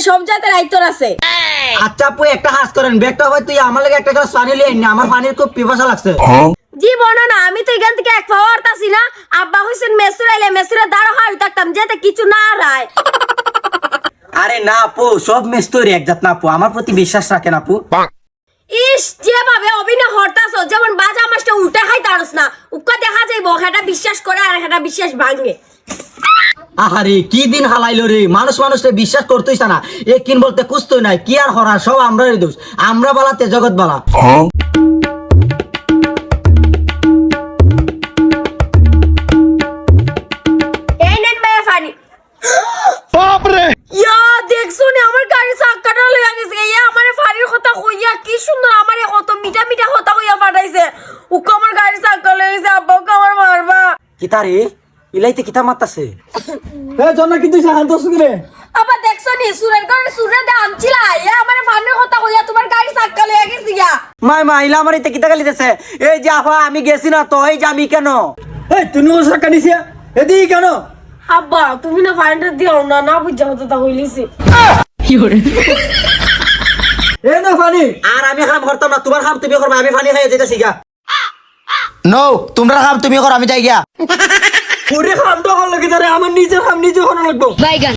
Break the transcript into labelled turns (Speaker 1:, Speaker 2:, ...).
Speaker 1: সব জাতের আইতর আছে।
Speaker 2: আচ্ছা আপু একটা হাস করেন, ব্যাগটা হয় তুই আমার লাগে একটা গ্লাস পানি লিয়ে আইন না, আমার পানির খুব পিপাসা লাগছে।
Speaker 1: জীবন না, আমি তো এখান থেকে এক পাওয়ার তাছি না। আব্বা হইছেন মেসুর আইলে মেসুরে দাঁড়া হয় থাকতাম যেতে কিছু না রায়।
Speaker 2: আরে না আপু, সব মেস তৈরি একজাত না আপু, আমার প্রতি বিশ্বাস রাখেন আপু।
Speaker 1: ইস যেভাবে অভিনয় হরতাছ, যেমন বাজা মাছটা উল্টে খাই তারস না, উক্কা দেখা যাইব হেটা বিশ্বাস করে আর হেটা বিশ্বাস ভাঙে।
Speaker 2: আহারে কি দিন হালাইলো রে, মানুষ মানুষকে বিশ্বাস করতেইছ না, এ কিন বলতে কুস্তই নাই, কি আর হরা, সব আমরাই দোষ, আমরা বালাতে জগৎ বালা।
Speaker 1: এই নেন ভাইয়া পানি। ইয়া দেখছো নি আমার গাড়ি চাক্কাটা লইয়া গেছে। ইয়া আমারে ফাড়ির কথা কইয়া কি সুন্দর আমারে কত মিঠা মিঠা কথা কইয়া পাঠাইছে। উক্কা আমার গাড়ি চাক্কা লইয়া গেছে, আব্বা উক্কা আমার মারবা।
Speaker 2: কিতা রে ইলাইতে কিতা মারতাছে?
Speaker 3: এ জন্না কিন্তু শান্ত সুরে
Speaker 1: আবার দেখছো নি সুরের কারণে সুরে দে আনছিলা। ইয়া আমারে ফাড়ির কথা কইয়া তোমার গাড়ি চাক্কা লইয়া গেছে গিয়া।
Speaker 2: মাই মা ইলা আমার ইতে কিতা গালিতেছে? এই যে আফা আমি গেছি না তো, এই যে আমি কেন?
Speaker 3: এই তুমি ও সাকা নিছে এদিকে কেন?
Speaker 1: আব্বা তুমি না ফাড়িটা দিও না, না বুঝা হতো তা হইলিছে।
Speaker 3: এ না পানি
Speaker 2: আর আমি হাম করতাম না, তোমার হাম তুমি করবে, আমি পানি খাইয়ে যেতেছি গা। নো তোমরা হাম তুমি করো, আমি যাই গিয়া।
Speaker 3: পুরে খাম তো হল কি তারে আমার নিজের খাম নিজে হন লাগবো।